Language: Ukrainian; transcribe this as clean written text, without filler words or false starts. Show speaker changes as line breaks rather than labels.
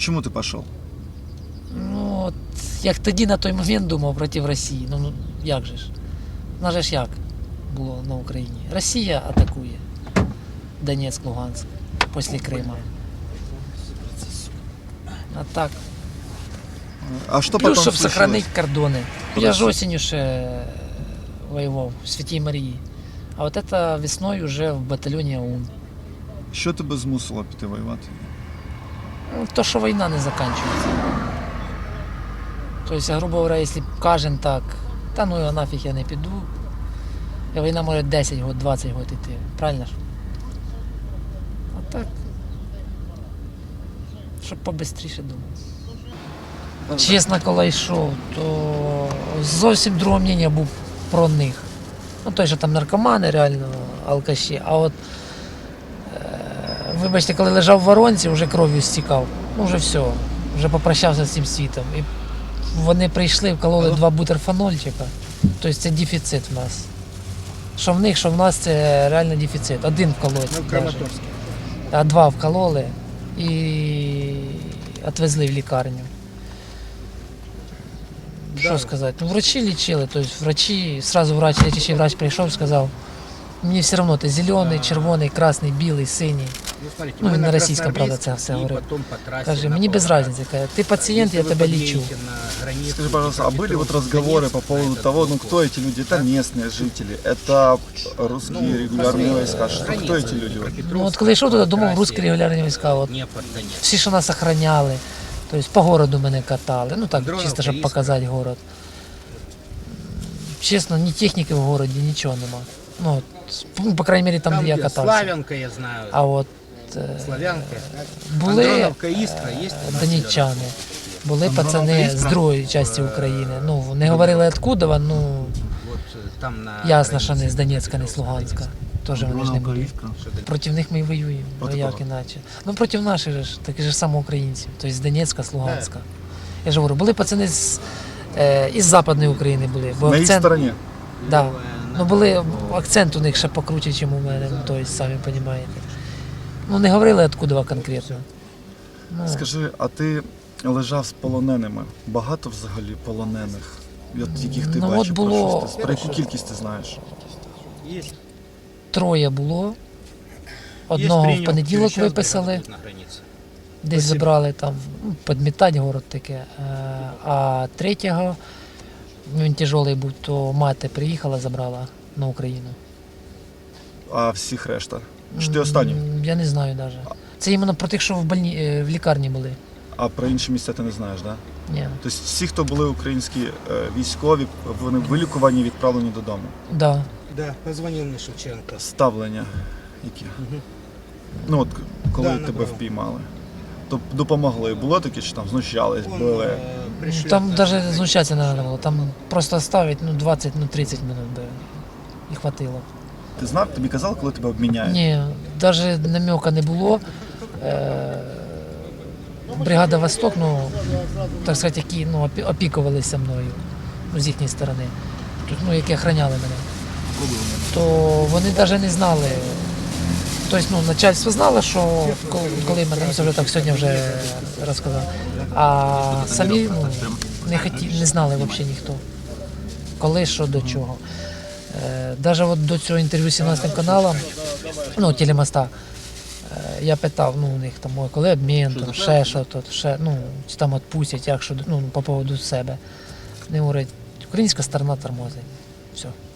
Чому ти пішов?
Ну, от, як тоді на той момент думав проти Росії. Ну як же ж? У нас же ж як було на Україні? Росія атакує Донецьк, Луганськ після Крима. А так.
А що
Плюс,
потім
щоб
случилось?
сохранити кордони. Я ж осінню ще воював в Святій Марії. А от це весною вже в батальйоні ОУН.
Що тебе змусило піти воювати?
Ну, то, що війна не закінчується. Тобто, грубо говоря, якщо кожен так, та ну його нафіг я не піду, і війна може 10 років, 20 років йти. Правильно ж? А так, щоб побистріше думав. Чесно, коли йшов, то зовсім друге мнення був про них. Ну, той, що там наркомани, реально, алкаші. А от, вибачте, коли лежав в воронці, вже кров'ю стікав. Ну, вже все, вже попрощався з цим світом. І вони прийшли, вкололи 2 бутерфанольчика. Тобто це дефіцит в нас. Що в них, що в нас, це реально дефіцит. 1 вкололи. А 2 вкололи і відвезли в лікарню. Що сказати? Ну, врачі лічили, тобто врачі, сразу лечащий врач прийшов, сказав, мені все одно, ти зелений, червоний, красний, білий, синій. Ну, він на російському, правда, це все говорив. Каже, мені без різниці, каже, ти пацієнт, я тебе лічу.
Скажи, пожалуйста, а были вот разговоры по поводу того, ну кто эти люди? Это местные жители, это русские регулярные войска, что, кто эти люди?
Ну, от коли йшов туди, думав, русські регулярні війська, от, всі, що нас охороняли, тобто по городу мене катали, ну так, чисто, щоб показати город. Чесно, ні техніки в городі, нічого нема. Ну, по крайній мірі, там, де я катався.
Славянка, я знаю.
А от
Славянка.
були
Андроновка, Іскра, є?
донеччани, були пацани з другої частини України. Ну, не говорили откуда, ну,
Там на
ясно, що не з Донецька, не з Луганська. Теж вони ж не були. Проти них ми і воюємо,
Проти
як
кого?
іначе. Ну, проти наших же ж, таких же само українців, тобто з Донецька, з Луганська. Я ж говорю, були пацани із Западної України були. Бо
На их стороне?
Да. Ну, були, акцент у них ще покруче, ніж у мене, ну, тобто, самі розумієте. Ну, не говорили, откуда конкретно. Ну,
Скажи, а ти лежав з полоненими? Багато взагалі полонених? От яких ти
Ну,
бачив?
от було-
Про, про яку кількість ти знаєш?
3 було. Одного в понеділок виписали, десь забрали там, ну, підмітати город таке. А 3-го, він тяжелий був, то мати приїхала, забрала на Україну.
А всіх решта? Чи ти останній?
Я не знаю навіть. Це іменно про тих, що в лікарні були.
А про інші місця ти не знаєш, так? Да?
Ні.
Тобто всі, хто були українські військові, вони вилікувані, відправлені додому.
Да.
Да, позвонив мені Шевченко.
Ставлення які? Ну от коли
Да,
тебе
набрав.
впіймали, то допомогли. Було таке, що там знущались, били?
Там навіть знущатися не треба було. Там просто ставить 20-30 минут би. І хватило.
Ти знав, тобі казали, коли тебе обміняють?
Ні, навіть намека не було. Бригада Восток, ну, так сказати, які опікувалися мною, ну, з їхньої сторони, ну, які охороняли мене, то вони навіть не знали. Тобто, ну, начальство знало, що коли мене, це вже так сьогодні вже розказав, а самі не знали взагалі ніхто, коли, що, до чого. Навіть от до цього інтерв'ю з 17 каналом, ну, телемоста, я питав, ну, у них там, коли обмін, там, ще що тут, ще, ну, чи там відпустять, як що, ну, по поводу себе. Вони говорять, українська сторона тормозить. Все.